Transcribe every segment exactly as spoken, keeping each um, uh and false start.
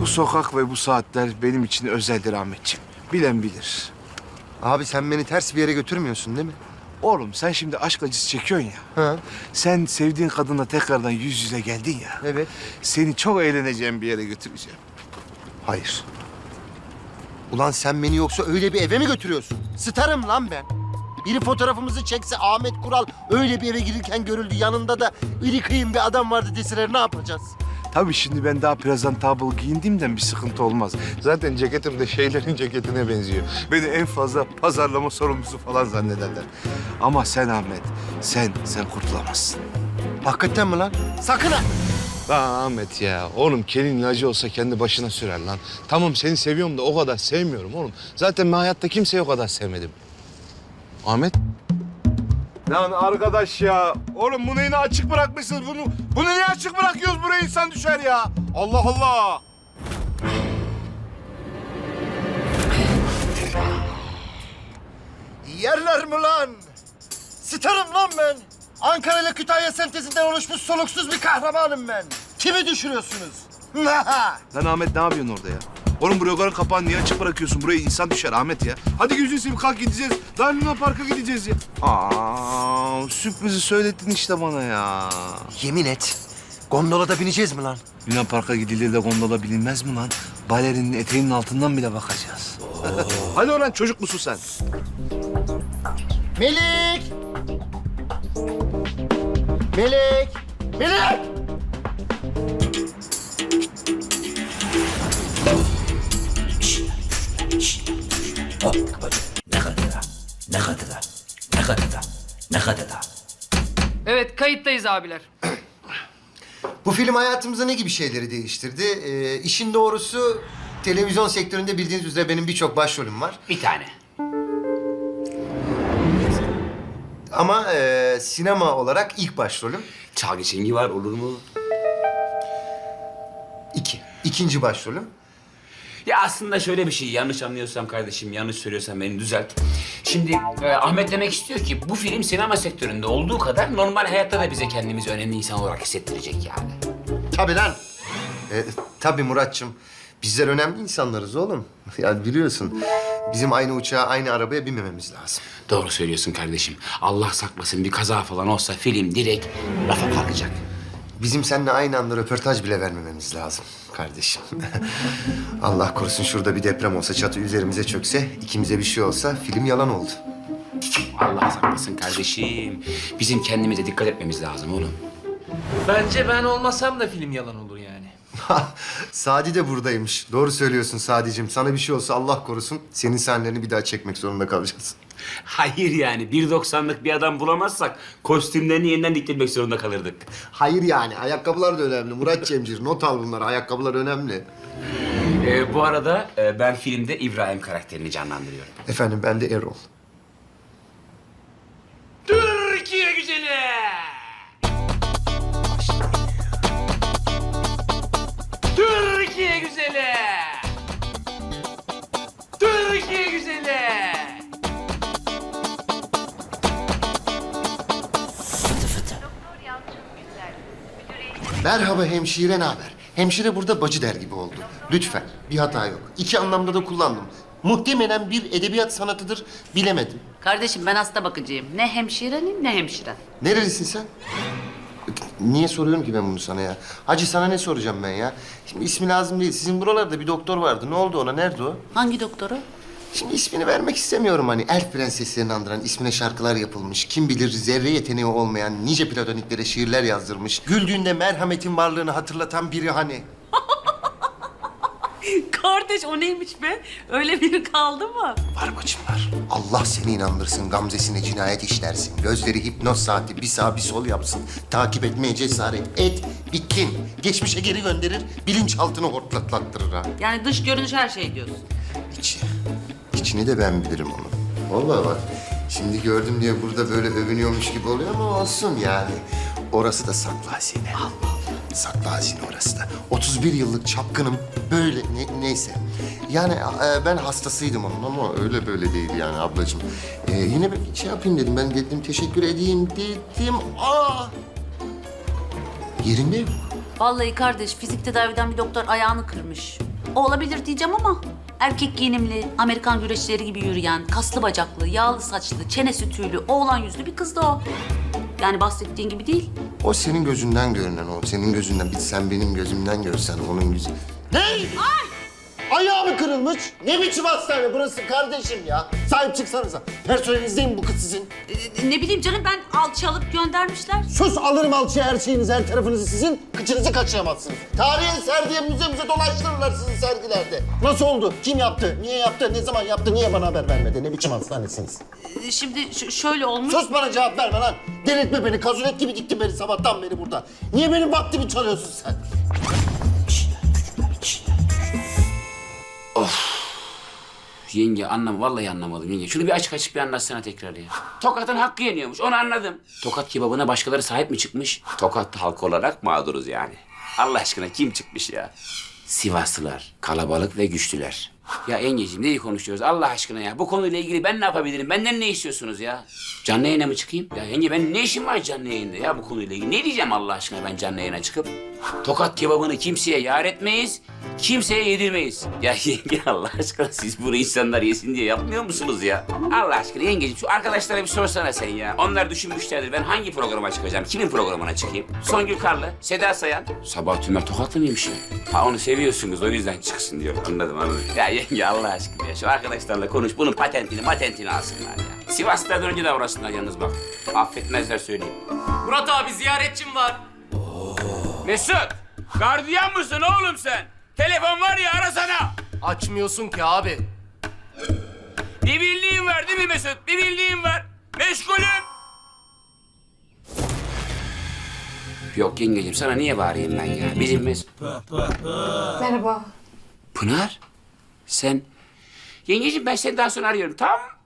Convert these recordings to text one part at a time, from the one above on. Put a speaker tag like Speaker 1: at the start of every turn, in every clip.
Speaker 1: Bu sokak ve bu saatler benim için özeldir Ahmetciğim. Bilen bilir.
Speaker 2: Abi sen beni ters bir yere götürmüyorsun değil mi?
Speaker 1: Oğlum sen şimdi aşk acısı çekiyorsun ya.
Speaker 2: Ha.
Speaker 1: Sen sevdiğin kadınla tekrardan yüz yüze geldin ya.
Speaker 2: Evet.
Speaker 1: Seni çok eğleneceğim bir yere götüreceğim.
Speaker 2: Hayır. Ulan sen beni yoksa öyle bir eve mi götürüyorsun? Starım lan ben. Biri fotoğrafımızı çekse Ahmet Kural öyle bir eve girirken görüldü. Yanında da iri kıyım bir adam vardı deseler ne yapacağız?
Speaker 1: Tabii şimdi ben daha presentable giyindiğimden bir sıkıntı olmaz. Zaten ceketim de şeylerin ceketine benziyor. Beni en fazla pazarlama sorumlusu falan zannederler. Ama sen Ahmet, sen, sen kurtulamazsın.
Speaker 2: Hakikaten mi lan? Sakın ha!
Speaker 1: Lan Ahmet ya, oğlum kelin ilacı olsa kendi başına sürer lan. Tamam seni seviyorum da o kadar sevmiyorum oğlum. Zaten ben hayatta kimseyi o kadar sevmedim. Ahmet? Lan arkadaş ya, oğlum bunu yine açık bırakmışsınız. Bunu, bunu niye açık bırakıyoruz? Buraya insan düşer ya. Allah Allah.
Speaker 2: Yerler mi lan? Starım lan ben. Ankara ile Kütahya sentezinden oluşmuş soluksuz bir kahramanım ben. Kimi düşürüyorsunuz?
Speaker 1: Lan Ahmet ne yapıyorsun orada ya? Oğlum buraya kadar kapağını niye açık bırakıyorsun? Buraya insan düşer Ahmet ya. Hadi gözünü seveyim kalk gideceğiz. Daha Luna Park'a gideceğiz ya. Aa, sürprizi söylettin işte bana ya.
Speaker 2: Yemin et. Gondolada bineceğiz mi lan?
Speaker 1: Luna Park'a gidilir de gondola bilinmez mi lan? Balerinin eteğinin altından bile bakacağız. Hadi oradan çocuk musun sen?
Speaker 2: Melik! Melik! Melik!
Speaker 3: Ne kadar? Ne kadar? Ne kadar? Ne kadar?
Speaker 4: Evet, kayıttayız abiler.
Speaker 2: Bu film hayatımızda ne gibi şeyleri değiştirdi? Ee, işin doğrusu televizyon sektöründe bildiğiniz üzere benim birçok başrolüm var.
Speaker 3: Bir tane.
Speaker 2: Ama e, sinema olarak ilk başrolüm
Speaker 3: Çalgı Çengi var, olur mu?
Speaker 2: iki. İkinci başrolüm.
Speaker 3: Ya aslında şöyle bir şey, yanlış anlıyorsam kardeşim, yanlış söylüyorsam beni düzelt. Şimdi e, Ahmet demek istiyor ki bu film sinema sektöründe olduğu kadar normal hayatta da bize kendimizi önemli insan olarak hissettirecek yani.
Speaker 2: Tabii lan. E, tabii Muratçım. Bizler önemli insanlarız oğlum. Ya biliyorsun bizim aynı uçağa, aynı arabaya binmememiz lazım.
Speaker 3: Doğru söylüyorsun kardeşim. Allah saklasın bir kaza falan olsa film direkt rafa kalkacak.
Speaker 2: Bizim seninle aynı anda röportaj bile vermememiz lazım kardeşim. Allah korusun şurada bir deprem olsa, çatı üzerimize çökse, ikimize bir şey olsa film yalan oldu.
Speaker 3: Allah saklasın kardeşim. Bizim kendimize dikkat etmemiz lazım oğlum.
Speaker 5: Bence ben olmasam da film yalan olur yani.
Speaker 2: Sadi de buradaymış. Doğru söylüyorsun Sadicim. Sana bir şey olsa Allah korusun senin sahnelerini bir daha çekmek zorunda kalacağız.
Speaker 3: Hayır yani bir doksanlık bir adam bulamazsak kostümlerini yeniden diktirmek zorunda kalırdık.
Speaker 2: Hayır yani ayakkabılar da önemli. Murat Cemcir not al bunları. Ayakkabılar önemli.
Speaker 3: Ee, bu arada e, ben filmde İbrahim karakterini canlandırıyorum.
Speaker 2: Efendim ben de Erol.
Speaker 3: Türkiye güzeli! Türkiye güzeli! Türkiye güzeli!
Speaker 2: Merhaba hemşire, ne haber? Hemşire burada bacı der gibi oldu. Lütfen, bir hata yok. İki anlamda da kullandım. Muhtemelen bir edebiyat sanatıdır, bilemedim.
Speaker 6: Kardeşim ben hasta bakıcıyım. Ne hemşirenim ne hemşire.
Speaker 2: Nerelisin sen? Niye soruyorum ki ben bunu sana ya? Hacı sana ne soracağım ben ya? Şimdi ismi lazım değil. Sizin buralarda bir doktor vardı. Ne oldu ona? Nerede o?
Speaker 6: Hangi doktoru?
Speaker 2: Şimdi ismini vermek istemiyorum hani. Elf prenseslerini andıran ismine şarkılar yapılmış. Kim bilir zerre yeteneği olmayan nice platoniklere şiirler yazdırmış. Güldüğünde merhametin varlığını hatırlatan biri hani.
Speaker 6: Kardeş o neymiş be? Öyle biri kaldı mı?
Speaker 2: Var bacım var. Allah seni inandırsın, gamzesine cinayet işlersin. Gözleri hipnoz saati bir sağ bir sol yapsın. Takip etmeye cesaret et, bitkin. Geçmişe geri gönderir, bilinçaltını hortlatlattırır ha.
Speaker 6: Yani dış görünüş her şey diyorsun.
Speaker 2: İçi. İçini de ben bilirim onu. Vallahi bak, şimdi gördüm diye burada böyle övünüyormuş gibi oluyor ama olsun yani. Orası da saklı hazine. Allah Allah. Saklı hazine orası da. otuz bir yıllık çapkınım. Böyle ne, neyse. Yani e, ben hastasıydım onun ama öyle böyle değil yani ablacığım. E, yine bir şey yapayım dedim. Ben dedim teşekkür edeyim dedim. Aa! Yerinde yok.
Speaker 6: Vallahi kardeş fizik tedaviden bir doktor ayağını kırmış. olabilir diyeceğim ama erkek giyinimli, Amerikan güreşçileri gibi yürüyen, kaslı bacaklı, yağlı saçlı, çenesi tüylü, oğlan yüzlü bir kızdı o. Yani bahsettiğin gibi değil.
Speaker 2: O senin gözünden görünen o. Senin gözünden. Bir sen benim gözümden görsen onun gözü.
Speaker 7: Ne? Ay! Ayağı kırılmış? Ne biçim hastane burası kardeşim ya? Sahip çıksanıza. Personeliniz değil mi bu kız sizin?
Speaker 6: Ee, ne bileyim canım ben alçı alıp göndermişler.
Speaker 7: Sus alırım alçıya her şeyinizi, her tarafınızı sizin. Kıçınızı kaçıramazsınız. Tarihi eser diye müze müze dolaştırırlar sizi sergilerde. Nasıl oldu? Kim yaptı? Niye yaptı? Ne zaman yaptı? Niye bana haber vermedi? Ne biçim hastanesiniz?
Speaker 6: Ee, şimdi ş- şöyle olmuş.
Speaker 7: Sus bana cevap verme lan. Delirtme beni. Kazulet gibi diktin beni sabahtan beri burada. Niye benim vaktimi çalıyorsun sen?
Speaker 3: Yenge anlam vallahi anlamadım yenge. Şunu bir açık açık bir anlatsana tekrar ya. Tokat'ın hakkı yeniyormuş onu anladım. Tokat kebabına başkaları sahip mi çıkmış? Tokat halkı olarak mağduruz yani. Allah aşkına kim çıkmış ya? Sivaslılar, kalabalık ve güçlüler. Ya yengeciğim neyi konuşuyoruz Allah aşkına ya? Bu konuyla ilgili ben ne yapabilirim? Benden ne istiyorsunuz ya? Canlı yayına mı çıkayım? Ya yenge benim ne işim var canlı yayında ya bu konuyla ilgili? Ne diyeceğim Allah aşkına ben canlı yayına çıkıp? Tokat kebabını kimseye yar etmeyiz, kimseye yedirmeyiz. Ya yenge Allah aşkına siz bunu insanlar yesin diye yapmıyor musunuz ya? Allah aşkına yengeciğim şu arkadaşlara bir sorsana sen ya. Onlar düşünmüşlerdir ben hangi programa çıkacağım? Kimin programına çıkayım? Songül Karlı, Seda Sayan. Sabah Tümer Tokatlı mıymış ya? Ha onu seviyorsunuz o yüzden çıksın diyor. Anladım anladım. Ya yenge Allah aşkına ya şu arkadaşlarla konuş bunun patentini matentini alsınlar ya. Sivas'tan önce de uğraşsınlar yalnız bak. Affetmezler söyleyeyim.
Speaker 5: Murat abi ziyaretçim var.
Speaker 3: Mesut, gardiyan mısın oğlum sen? Telefon var ya arasana.
Speaker 5: Açmıyorsun ki abi.
Speaker 3: Bir bildiğin var değil mi Mesut? Bir bildiğin var. Meşgulüm. Yok yengeciğim sana niye bağırayım ben ya? Bizim Mesut...
Speaker 8: Merhaba.
Speaker 3: Pınar, sen... Yengeciğim ben seni daha sonra arıyorum tamam mı?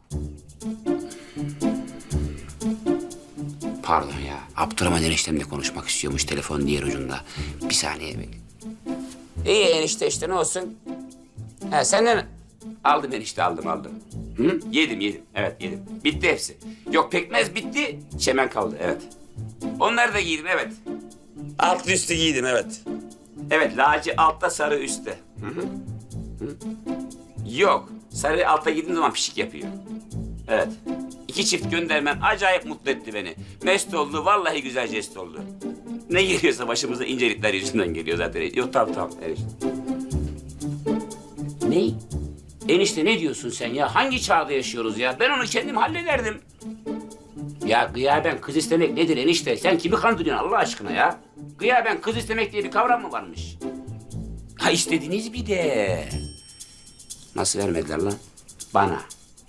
Speaker 3: Pardon ya. Abdurrahman eniştemle konuşmak istiyormuş telefon diğer ucunda. Bir saniye bekle. İyi enişte işte ne olsun? Ha senden... Aldım enişte aldım aldım. Hı? Yedim yedim evet yedim. Bitti hepsi. Yok pekmez bitti. Çemen kaldı evet. Onları da giydim evet. Altlı üstü giydim evet. Evet laci altta sarı üstte. Hı hı. Hı. Yok sarı altta giydiğim zaman pişik yapıyor. Evet. İki çift göndermen acayip mutlu etti beni. Mest oldu, vallahi güzel jest oldu. Ne geliyorsa başımıza incelikler yüzünden geliyor zaten. Yok tamam tamam. Evet. Ne? Enişte ne diyorsun sen ya? Hangi çağda yaşıyoruz ya? Ben onu kendim hallederdim. Ya gıyaben kız istemek nedir enişte? Sen kimi kandırıyorsun Allah aşkına ya? Gıyaben kız istemek diye bir kavram mı varmış? Ha istediniz bir de. Nasıl vermediler lan? Bana.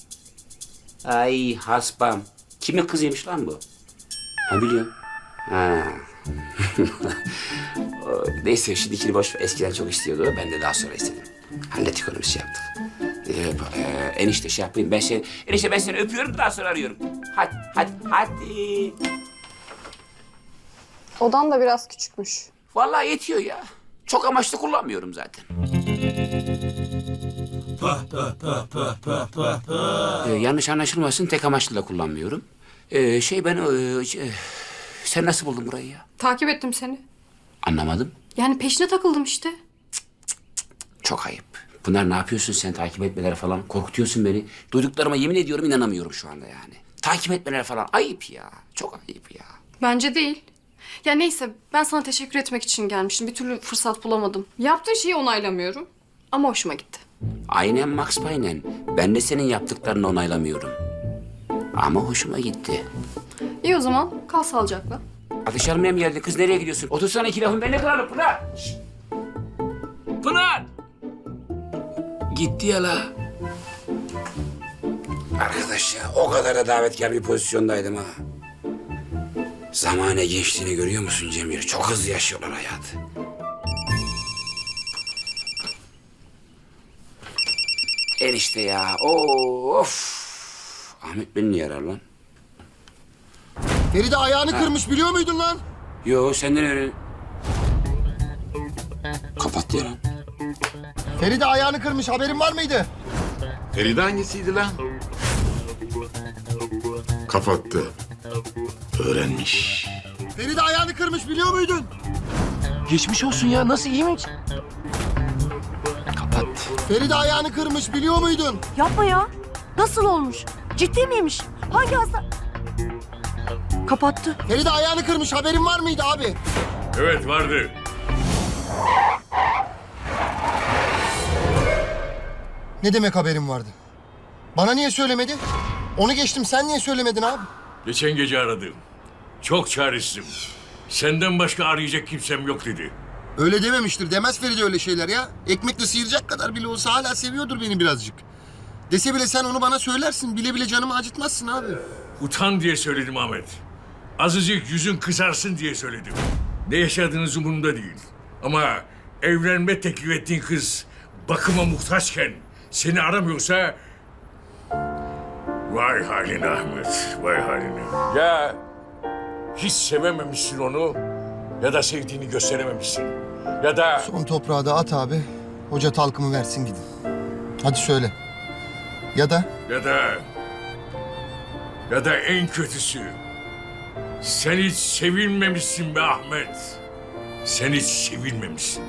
Speaker 3: Ay hasbam. Kimin kızıymış lan bu? Ha biliyorum. Ha. Neyse şimdikini boş ver. Eskiden çok istiyordu. Ben de daha sonra istedim. Hallettik onu bir şey yaptık. Ee, e, enişte şey yapayım. Ben seni, enişte ben seni öpüyorum daha sonra arıyorum. Hadi, hadi, hadi.
Speaker 8: Odan da biraz küçükmüş.
Speaker 3: Vallahi yetiyor ya. Çok amaçlı kullanmıyorum zaten. Ee, yanlış anlaşılmasın tek amaçlı da kullanmıyorum. Ee, şey ben... E, şey, sen nasıl buldun burayı ya?
Speaker 8: Takip ettim seni.
Speaker 3: Anlamadım.
Speaker 8: Yani peşine takıldım işte.
Speaker 3: Çok ayıp. Pınar ne yapıyorsun sen takip etmeler falan? Korkutuyorsun beni. Duyduklarıma yemin ediyorum inanamıyorum şu anda yani. Takip etmeler falan ayıp ya. Çok ayıp ya.
Speaker 8: Bence değil. Ya neyse ben sana teşekkür etmek için gelmiştim. Bir türlü fırsat bulamadım. Yaptığın şeyi onaylamıyorum. Ama hoşuma gitti.
Speaker 3: Aynen Max Payne'en. Ben de senin yaptıklarını onaylamıyorum. Ama hoşuma gitti.
Speaker 8: İyi o zaman kal sağlıcakla.
Speaker 3: Ateş almaya mı geldin? Kız nereye gidiyorsun? Otursana iki lafın benimle kırarım Pınar. Şişt. Pınar! Gitti ya la. Arkadaş ya o kadar da davetkar bir pozisyondaydım ha. Zamane geçtiğini görüyor musun Cemil? Çok hızlı yaşıyorlar hayatı. Enişte ya. Of. Ahmet beni niye arar lan?
Speaker 7: Feride ayağını kırmış biliyor muydun lan?
Speaker 3: Yo senden öyle. Kapat ya lan.
Speaker 7: Feride ayağını kırmış haberin var mıydı?
Speaker 9: Feride hangisiydi lan? Kapattı. Öğrenmiş.
Speaker 7: Feride ayağını kırmış biliyor muydun?
Speaker 5: Geçmiş olsun ya nasıl iyi mi?
Speaker 3: Kapat.
Speaker 2: Kapattı. Feride ayağını kırmış biliyor muydun?
Speaker 10: Yapma ya. Nasıl olmuş? Ciddi miymiş? Hangi hasta? Kapattı.
Speaker 2: Feride ayağını kırmış haberin var mıydı abi?
Speaker 9: Evet vardı.
Speaker 2: Ne demek haberim vardı? Bana niye söylemedi? Onu geçtim sen niye söylemedin abi?
Speaker 9: Geçen gece aradım. Çok çaresizim. Senden başka arayacak kimsem yok dedi.
Speaker 2: Öyle dememiştir. Demez Feride öyle şeyler ya. Ekmekle sıyıracak kadar bile olsa hala seviyordur beni birazcık. Dese bile sen onu bana söylersin. Bile bile canımı acıtmazsın abi.
Speaker 9: Utan diye söyledim Ahmet. Azıcık yüzün kızarsın diye söyledim. Ne yaşadığınız umurumda değil. Ama evlenme teklif ettiğin kız bakıma muhtaçken seni aramıyorsa... Vay haline Ahmet, vay haline. Ya hiç sevememişsin onu ya da sevdiğini gösterememişsin. Ya da...
Speaker 2: Son toprağı da at abi. Hoca talkımı versin gidin. Hadi söyle. Ya da...
Speaker 9: Ya da... Ya da en kötüsü... Sen hiç sevilmemişsin be Ahmet. Sen hiç sevilmemişsin.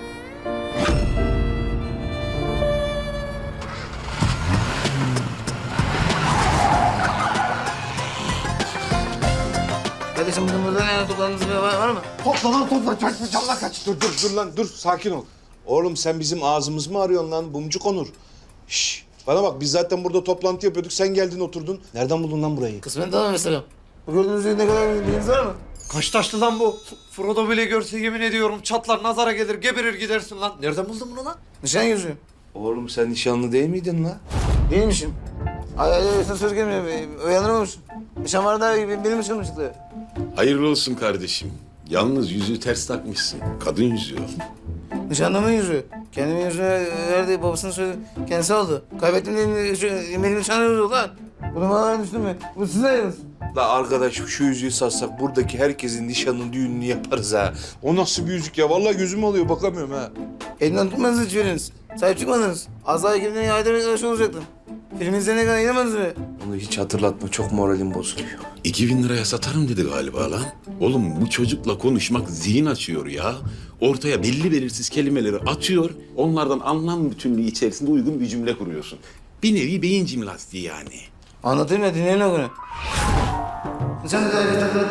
Speaker 5: Kardeşim bizim burada ne toplandığınız bir var, var mı?
Speaker 1: Topla lan topla. Kaç canla kaç. Dur dur dur lan dur sakin ol. Oğlum sen bizim ağzımız mı arıyorsun lan Bumcuk Onur? Şş, bana bak biz zaten burada toplantı yapıyorduk. Sen geldin oturdun. Nereden buldun lan burayı?
Speaker 5: Kısmen tamam mesela. Bu gördüğünüz ne kadar bilginiz var mı?
Speaker 11: Kaç taşlı lan bu? F- Frodo bile görse yemin ediyorum çatlar nazara gelir geberir gidersin lan. Nereden buldun bunu lan?
Speaker 5: Nişan yüzüğü.
Speaker 1: Oğlum sen nişanlı değil miydin lan?
Speaker 5: Değilmişim. Ay ay ay sana söz gelmiyor. Uyanırmamışsın. Nişan var da benim nişanım çıktı.
Speaker 9: Hayırlı olsun kardeşim. Yalnız yüzüğü ters takmışsın. Kadın yüzüğü.
Speaker 5: Nişanlımın yüzüğü. Kendimin yüzüğünü verdi, babasının söyledi. Kendisi aldı. Kaybettim diye şu- benim nişanlım yüzüğü lan. Bunu bana düştün mü? Bu sizin ayınız.
Speaker 1: La arkadaş şu yüzüğü satsak buradaki herkesin nişanını düğününü yaparız ha. O nasıl bir yüzük ya? Vallahi gözüm alıyor bakamıyorum ha.
Speaker 5: Elinden tutmadınız hiçbiriniz. Sahip çıkmadınız. Az daha ekibimden ayda bir arkadaş olacaktım. Film izleyene kadar inanmadınız mı?
Speaker 1: Onu hiç hatırlatma çok moralim bozuluyor.
Speaker 9: İki bin liraya satarım dedi galiba lan. Oğlum bu çocukla konuşmak zihin açıyor ya. Ortaya belli belirsiz kelimeleri atıyor. Onlardan anlam bütünlüğü içerisinde uygun bir cümle kuruyorsun. Bir nevi beyin jimnastiği yani.
Speaker 5: Anlatayım ya, dinleyin o günü. Sen de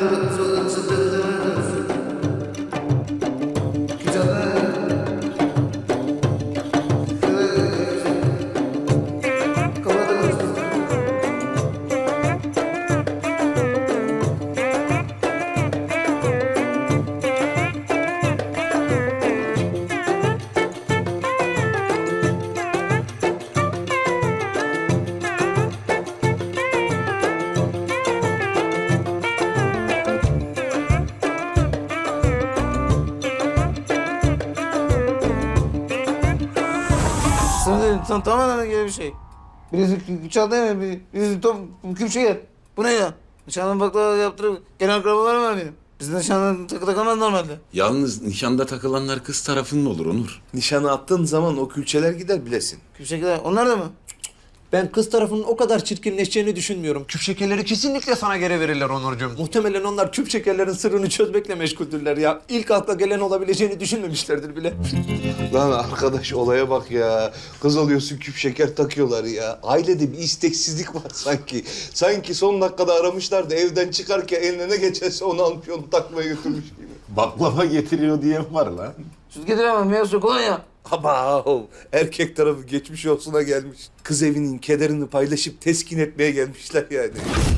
Speaker 5: Sana tam tamamen gibi bir şey. Birisi güç aldı değil mi? Bir- Birisi top küpçe yer. Bu ne ya? Nişanlı baklava yaptırıp gelen akrabalarım var benim. Bizde nişanlı takı takamaz normalde.
Speaker 9: Yalnız nişanda takılanlar kız tarafının olur Onur.
Speaker 1: Nişanı attığın zaman o külçeler gider bilesin.
Speaker 5: Küpçe gider. Onlar da mı?
Speaker 11: Ben kız tarafının o kadar çirkinleşeceğini düşünmüyorum. Küp şekerleri kesinlikle sana geri verirler Onurcuğum. Muhtemelen onlar küp şekerlerin sırrını çözmekle meşguldürler ya. İlk akla gelen olabileceğini düşünmemişlerdir bile.
Speaker 1: Lan arkadaş olaya bak ya. Kız alıyorsun küp şeker takıyorlar ya. Ailede bir isteksizlik var sanki. Sanki son dakikada aramışlar da evden çıkarken eline ne geçerse onu almış onu takmaya götürmüş gibi.
Speaker 9: Baklava getiriyor diyen var lan.
Speaker 5: Süt getiremem. Meyve suyu kolonya.
Speaker 1: Ama erkek tarafı geçmiş olsuna gelmiş. Kız evinin kederini paylaşıp teskin etmeye gelmişler yani.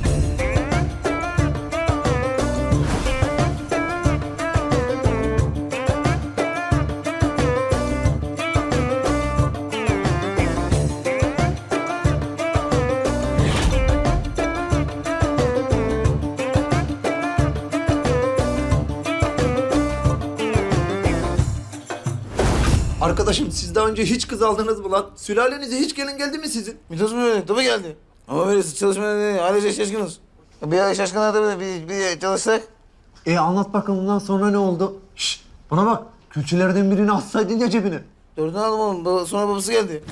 Speaker 11: Arkadaşım siz daha önce hiç kız aldınız mı lan? Sülalenize hiç gelin geldi mi sizin?
Speaker 5: Mitos mu öyle? Tabii geldi. Ama böyle çalışmaya değil. Ailece şaşkınız. Bir ay şaşkınlar tabii. Bir, bir çalışsak.
Speaker 11: E anlat bakalım bundan sonra ne oldu? Şşş bana bak külçelerden birini atsaydın ya cebine.
Speaker 5: Dördünü aldım oğlum. Baba- Sonra babası geldi.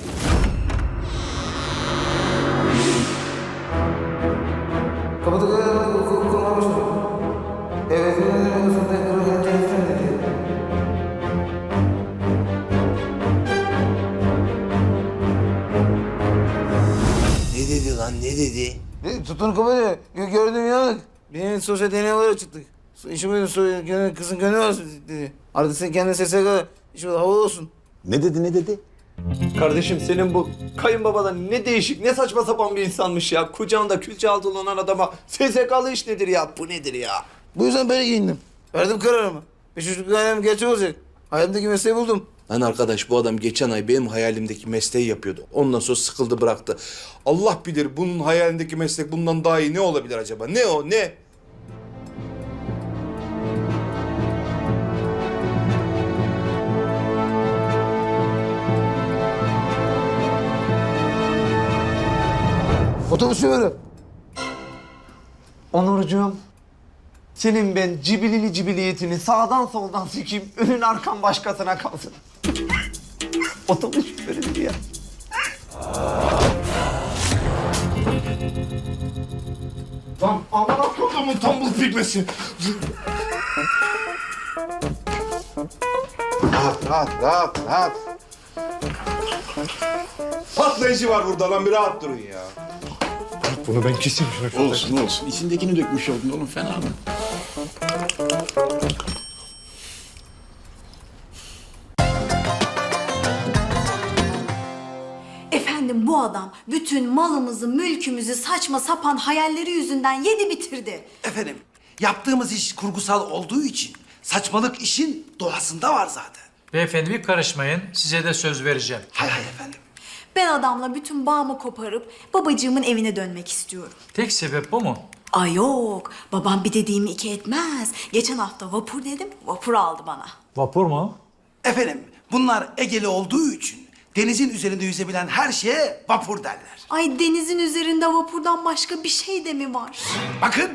Speaker 5: Kapıda kurmaya başladı. Evet.
Speaker 1: Lan ne dedi?
Speaker 5: E, tutun kapatıyor. Gö- Gördüm inandık. Benim sosyal deney olarak çıktık. So- İşim buydu. So gönül, kızın gönlü var dedi. Artık sen kendine sesle kadar. İşim havalı olsun.
Speaker 9: Ne dedi ne dedi?
Speaker 11: Kardeşim senin bu kayınbabadan ne değişik ne saçma sapan bir insanmış ya. Kucağında külçe altı olan adama S S K'lı iş nedir ya? Bu nedir ya?
Speaker 5: Bu yüzden böyle giyindim. Verdim kararımı. Beş çocuk ailem gerçek olacak. Hayalimdeki mesleği buldum.
Speaker 1: Lan arkadaş bu adam geçen ay benim hayalimdeki mesleği yapıyordu. Ondan sonra sıkıldı bıraktı. Allah bilir bunun hayalindeki meslek bundan daha iyi ne olabilir acaba? Ne o ne?
Speaker 5: Otobüs şoförü.
Speaker 11: Onurcuğum, senin ben cibilili cibiliyetini sağdan soldan sikeyim, önün arkan başkasına kalsın. Otobüs şoförüdür ya. Lan aman akıllımın tombul pigmesi.
Speaker 1: Rahat rahat rahat rahat. Patlayıcı var burada lan bir rahat durun ya.
Speaker 11: Bunu ben keseyim şunu.
Speaker 9: Olsun olsun. İçindekini dökmüş oldun oğlum fena mı?
Speaker 10: Efendim bu adam bütün malımızı, mülkümüzü saçma sapan hayalleri yüzünden yedi bitirdi.
Speaker 12: Efendim, yaptığımız iş kurgusal olduğu için saçmalık işin doğasında var zaten.
Speaker 13: Beyefendi bir karışmayın. Size de söz vereceğim.
Speaker 12: Hay hay efendim.
Speaker 10: Ben adamla bütün bağımı koparıp babacığımın evine dönmek istiyorum.
Speaker 13: Tek sebep bu mu?
Speaker 10: Ay yok, babam bir dediğimi iki etmez. Geçen hafta vapur dedim, vapur aldı bana.
Speaker 13: Vapur mu?
Speaker 12: Efendim, bunlar Egeli olduğu için denizin üzerinde yüzebilen her şeye vapur derler.
Speaker 10: Ay denizin üzerinde vapurdan başka bir şey de mi var?
Speaker 12: Bakın,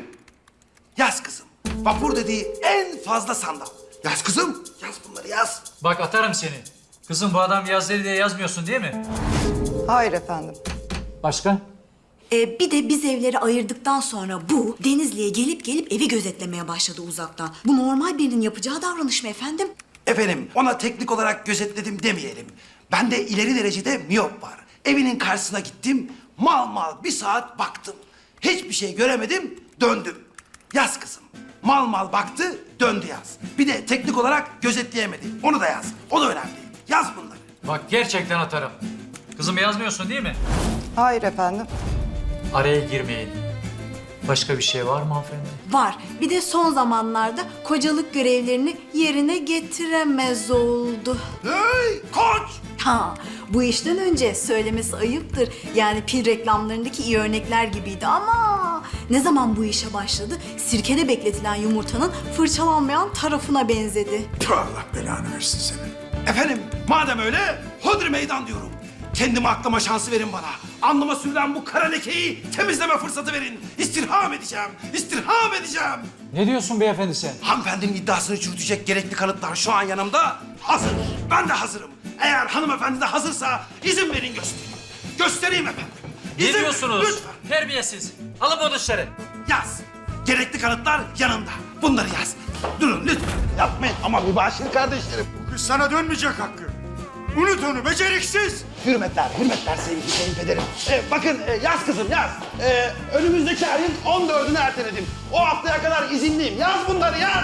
Speaker 12: yaz kızım. Vapur dediği en fazla sandal. Yaz kızım, yaz bunları yaz.
Speaker 13: Bak atarım seni. Kızım bu adam yaz dedi diye yazmıyorsun değil mi?
Speaker 14: Hayır efendim.
Speaker 13: Başka?
Speaker 10: Ee, bir de biz evleri ayırdıktan sonra bu Denizli'ye gelip gelip evi gözetlemeye başladı uzaktan. Bu normal birinin yapacağı davranış mı efendim?
Speaker 12: Efendim, ona teknik olarak gözetledim demeyelim. Bende ileri derecede miyop var. Evinin karşısına gittim, mal mal bir saat baktım. Hiçbir şey göremedim, döndüm. Yaz kızım. Mal mal baktı, döndü yaz. Bir de teknik olarak gözetleyemedi. Onu da yaz. O da önemli. Yaz bunları.
Speaker 13: Bak gerçekten atarım. Kızım yazmıyorsun değil mi?
Speaker 14: Hayır efendim.
Speaker 13: Araya girmeyin. Başka bir şey var mı hanımefendi?
Speaker 10: Var. Bir de son zamanlarda kocalık görevlerini yerine getiremez oldu.
Speaker 12: Hey koç!
Speaker 10: Ha, bu işten önce söylemesi ayıptır. Yani pil reklamlarındaki iyi örnekler gibiydi ama ne zaman bu işe başladı sirkede bekletilen yumurtanın fırçalanmayan tarafına benzedi.
Speaker 12: Tüh, Allah belanı versin seni. Efendim, madem öyle, hodri meydan diyorum. Kendime aklama şansı verin bana. Alnıma sürülen bu kara lekeyi temizleme fırsatı verin. İstirham edeceğim, istirham edeceğim.
Speaker 13: Ne diyorsun beyefendi sen?
Speaker 12: Hanımefendinin iddiasını çürütecek gerekli kanıtlar şu an yanımda. Hazır. Ben de hazırım. Eğer hanımefendi de hazırsa izin verin göstereyim. Göstereyim efendim.
Speaker 13: Ne
Speaker 12: İzin verin,
Speaker 13: diyorsunuz?
Speaker 12: lütfen.
Speaker 13: Terbiyesiz. Alın bunu dışarı.
Speaker 12: Yaz. Gerekli kanıtlar yanımda. Bunları yaz. Durun lütfen. Yapmayın ama mübaşir kardeşlerim.
Speaker 7: Bu kız sana dönmeyecek Hakkı. Unut onu beceriksiz.
Speaker 12: Hürmetler, hürmetler sevgili kayınpederim. Ee, bakın e, yaz kızım yaz. Ee, önümüzdeki ayın on dördünü erteledim. O haftaya kadar izinliyim. Yaz bunları yaz.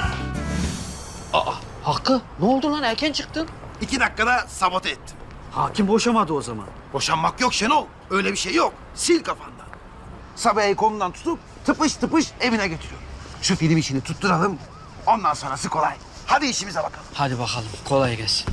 Speaker 5: Hakkı ne oldu lan erken çıktın?
Speaker 12: İki dakikada sabote ettim.
Speaker 5: Hakim boşamadı o zaman.
Speaker 12: Boşanmak yok Şenol. Öyle bir şey yok. Sil kafandan. Sabiha'yı kolundan tutup tıpış tıpış evine götürüyorum. Şu film işini tutturalım. Ondan sonrası kolay. Hadi işimize bakalım.
Speaker 5: Hadi bakalım kolay gelsin.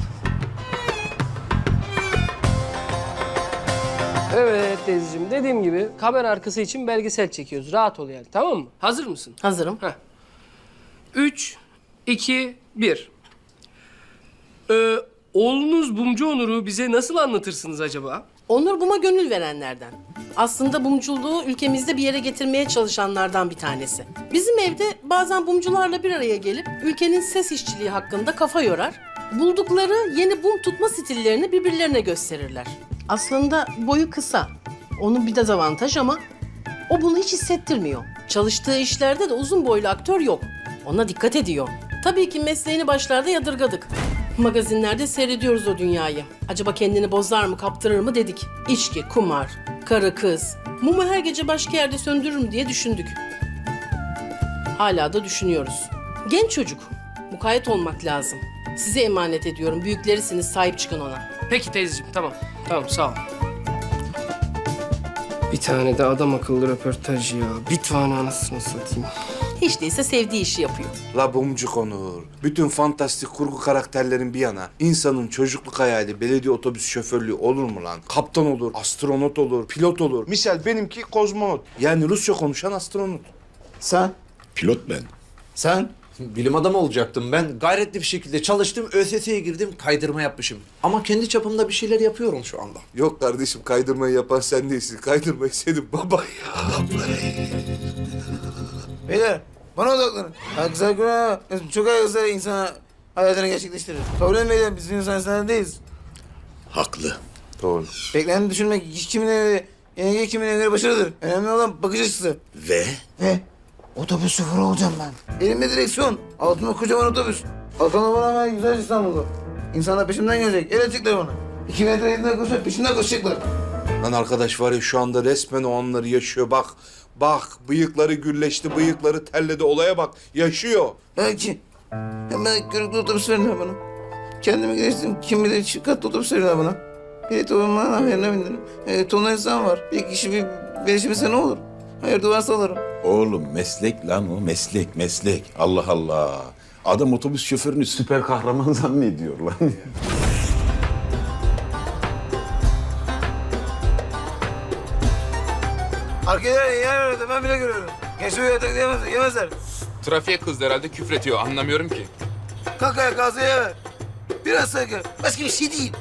Speaker 4: Evet teyzeciğim dediğim gibi kamera arkası için belgesel çekiyoruz. Rahat ol yani tamam mı? Hazır mısın?
Speaker 14: Hazırım.
Speaker 4: Heh. Üç, iki, bir. Ee, oğlunuz Bumcu Onur'u bize nasıl anlatırsınız acaba?
Speaker 14: Onur Bum'a gönül verenlerden. Aslında bumculuğu ülkemizde bir yere getirmeye çalışanlardan bir tanesi. Bizim evde bazen bumcularla bir araya gelip ülkenin ses işçiliği hakkında kafa yorar. Buldukları yeni bum tutma stillerini birbirlerine gösterirler. Aslında boyu kısa. Onun bir dezavantaj ama o bunu hiç hissettirmiyor. Çalıştığı işlerde de uzun boylu aktör yok. Ona dikkat ediyor. Tabii ki mesleğini başlarda yadırgadık. Magazinlerde seyrediyoruz o dünyayı. Acaba kendini bozar mı, kaptırır mı dedik. İçki, kumar, karı kız. Mumu her gece başka yerde söndürürüm diye düşündük. Hala da düşünüyoruz. Genç çocuk. Mukayyet olmak lazım. Size emanet ediyorum. Büyüklerisiniz, sahip çıkın ona.
Speaker 4: Peki teyzeciğim tamam. Tamam sağ ol. Bir tane de adam akıllı röportaj ya. Bir tane anasını satayım.
Speaker 14: Hiç değilse sevdiği işi yapıyor.
Speaker 1: La Bumcuk Onur. Bütün fantastik kurgu karakterlerin bir yana. İnsanın çocukluk hayali belediye otobüs şoförlüğü olur mu lan? Kaptan olur, astronot olur, pilot olur. Misal benimki kozmonot. Yani Rusça konuşan astronot.
Speaker 5: Sen?
Speaker 9: Pilot ben.
Speaker 5: Sen?
Speaker 11: Bilim adamı olacaktım ben. Gayretli bir şekilde çalıştım. ÖSS'ye girdim. Kaydırma yapmışım. Ama kendi çapımda bir şeyler yapıyorum şu anda.
Speaker 1: Yok kardeşim kaydırmayı yapan sen değilsin. Kaydırmayı senin baban ya.
Speaker 5: Beyler bana odaklanın. Ha, güzel günah. Çok güzel insana hayatını gerçekleştirir. Kabul etmeyin biz insan insanlar değiliz.
Speaker 9: Haklı.
Speaker 1: Doğru.
Speaker 5: Bekleneni düşünmek kimin evi, yenilgi kimin evine başarıdır. Önemli olan bakış açısı.
Speaker 9: Ve?
Speaker 5: Ve otobüs şoförü olacağım ben. Elimde direksiyon, altımda kocaman otobüs. Arkamda bana hemen güzel İstanbul'da. İnsanlar peşimden gelecek, el edecekler bana. İki metre elinden koşup peşinden koşacaklar.
Speaker 1: Lan arkadaş var ya şu anda resmen o anları yaşıyor. Bak, bak bıyıkları gürleşti, bıyıkları terledi. Olaya bak, yaşıyor.
Speaker 5: Belki. Hemen körüklü otobüs verin bana. Kendimi geliştirdim. Kim bilir çift katlı otobüs verin bana. Bilet olmanın haberine bindirim. E, tonla insan var. Bir kişi bir gelişmişse ne olur? Hayır duvarsa alırım.
Speaker 9: Oğlum meslek lan o meslek meslek. Allah Allah. Adam otobüs şoförünü süper kahraman zannediyor lan.
Speaker 5: Arkadan yer orada ben bile görüyorum. Gençler yatak yemez, yemezler.
Speaker 15: Trafiğe kızdı herhalde küfretiyor anlamıyorum ki.
Speaker 5: Kalk ayağa gazı yeme. Biraz saygı. Başka bir şey değil.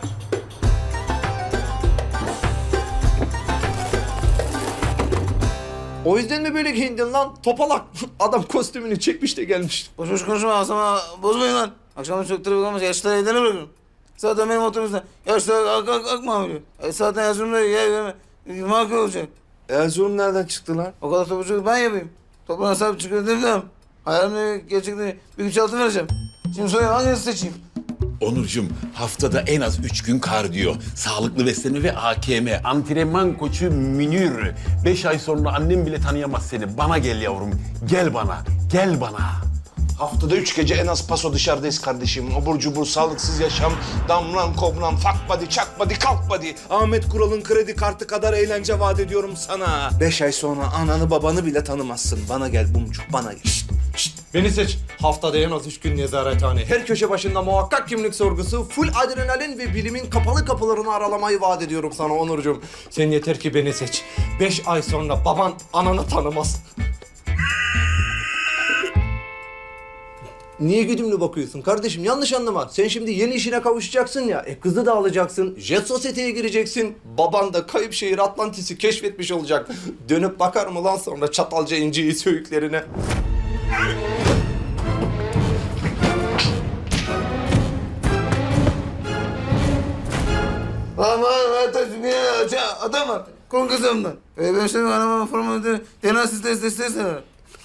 Speaker 11: O yüzden mi böyle giyindin lan? Topalak. Adam kostümünü çekmiş de gelmiş.
Speaker 5: Boş boş konuşma asama bozmayın lan. Akşam çok trafik olmaz. Yaşlıları evlerine bırakıyorum. Zaten benim otobüsten yaşlılar ak ak ak mamülü. E, zaten Erzurum'da yer verme. Makul olacak.
Speaker 1: Erzurum nereden çıktı lan?
Speaker 5: O kadar otobüsçülük ben yapayım. Toprağına sahip çıkıyor demem. Hayalimde gerçekten bir güç altı vereceğim. Şimdi söyle hangisini seçeyim?
Speaker 9: Onurcuğum haftada en az üç gün kardiyo, sağlıklı beslenme ve A K M, antrenman koçu Münir. Beş ay sonra annem bile tanıyamaz seni. Bana gel yavrum, gel bana, gel bana.
Speaker 1: Haftada üç gece en az paso dışarıdayız kardeşim. Obur cubur, sağlıksız yaşam, damlan kobran, fuck body, çak body, kalk body. Ahmet Kural'ın kredi kartı kadar eğlence vaat ediyorum sana. Beş ay sonra ananı babanı bile tanımazsın. Bana gel Bumcuk, bana gel. Şişt, şişt.
Speaker 11: Beni seç. Haftada en az üç gün nezarethane. Her köşe başında muhakkak kimlik sorgusu, full adrenalin ve bilimin kapalı kapılarını aralamayı vaat ediyorum sana Onurcuğum. Sen yeter ki beni seç. Beş ay sonra baban ananı tanımaz. Niye güdümlü bakıyorsun kardeşim? Yanlış anlama. Sen şimdi yeni işine kavuşacaksın ya. E kızı da alacaksın. Jet sosyeteye gireceksin. Baban da kayıp şehir Atlantis'i keşfetmiş olacak. Dönüp bakar mı lan sonra Çatalca inciyi söğütlerine?
Speaker 5: Lan var var bir adam var. Kon kızımdan. E, ben şimdi anama formu D N A testi testi istedim.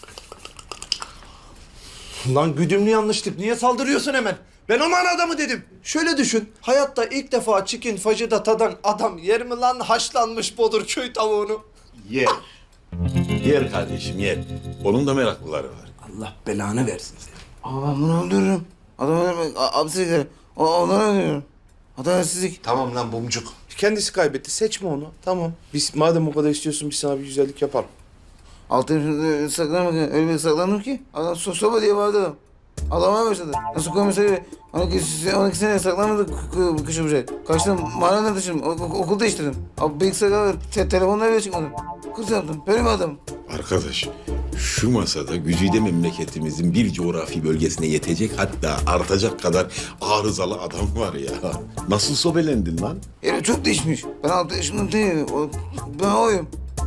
Speaker 11: Lan güdümlü yanlışlık. Niye saldırıyorsun hemen? Ben aman adamı dedim. Şöyle düşün. Hayatta ilk defa chicken fajita tadan adam yer mi lan haşlanmış bodur köy tavuğunu?
Speaker 9: Yer. Yer kardeşim yer. Onun da meraklıları var.
Speaker 11: Allah belanı versin seni.
Speaker 5: Aa ben bunu öldürürüm. Adamı öldürmek abisilikleri. Onları öldürüyorum. Adaletsizlik.
Speaker 1: Tamam lan Bumcuk. Kendisi kaybetti, seçme onu. Tamam. Biz madem o kadar istiyorsun biz sana bir güzellik yapalım.
Speaker 5: Altın saklanmak öyle bir saklandım ki. Adam so soba diye bağırdı adam. Ağlamaya başladı. Nasıl komiseri on iki, on iki sene saklanmadı kışın bir şey. Kaçtım mahalleden taşıdım. Okul değiştirdim. Abi bilgisayarlar, te telefonlar bile çıkmadı. Kız yaptım. Böyle bir adam.
Speaker 9: Arkadaş şu masada güzide memleketimizin bir coğrafi bölgesine yetecek hatta artacak kadar arızalı adam var ya. Nasıl sobelendin lan?
Speaker 5: Herif çok değişmiş. Ben altı yaşımda değilim. O, ben oyum.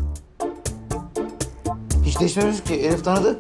Speaker 5: Hiç değişmemiş ki. Elif tanıdı.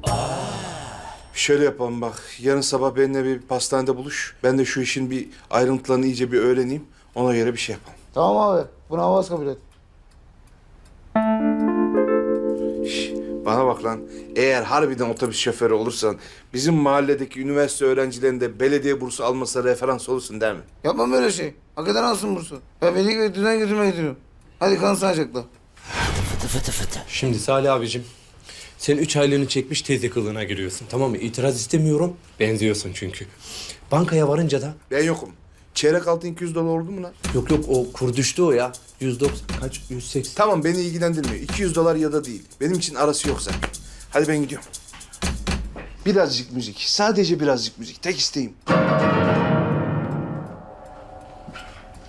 Speaker 1: Şöyle yapalım bak. Yarın sabah benimle bir pastanede buluş. Ben de şu işin bir ayrıntılarını iyice bir öğreneyim. Ona göre bir şey yapalım.
Speaker 5: Tamam abi. Buna havas kabul et.
Speaker 1: Şş, Bana bak lan, eğer harbiden otobüs şoförü olursan bizim mahalledeki üniversite öğrencilerinde belediye bursu almasına referans olursun değil mi?
Speaker 5: Yapmam böyle şey. Hakikaten alsın bursu. Ben beni gibi düzen götürmeye gidiyorum. Hadi kan sağlıcakla.
Speaker 11: Şimdi Salih abicim, sen üç aylığını çekmiş teyze kılığına giriyorsun, tamam mı? İtiraz istemiyorum, benziyorsun çünkü. Bankaya varınca da...
Speaker 1: Ben yokum. Çeyrek altın iki yüz dolar oldu mu lan?
Speaker 11: Yok yok, o kur düştü o ya. yüz doksan, kaç? yüz seksen.
Speaker 1: Tamam, beni ilgilendirmiyor. iki yüz dolar ya da değil. Benim için arası yok zaten. Hadi ben gidiyorum. Birazcık müzik. Sadece birazcık müzik. Tek isteğim.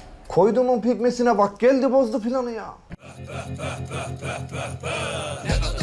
Speaker 11: Koyduğumun pekmesine bak, geldi bozdu planı ya.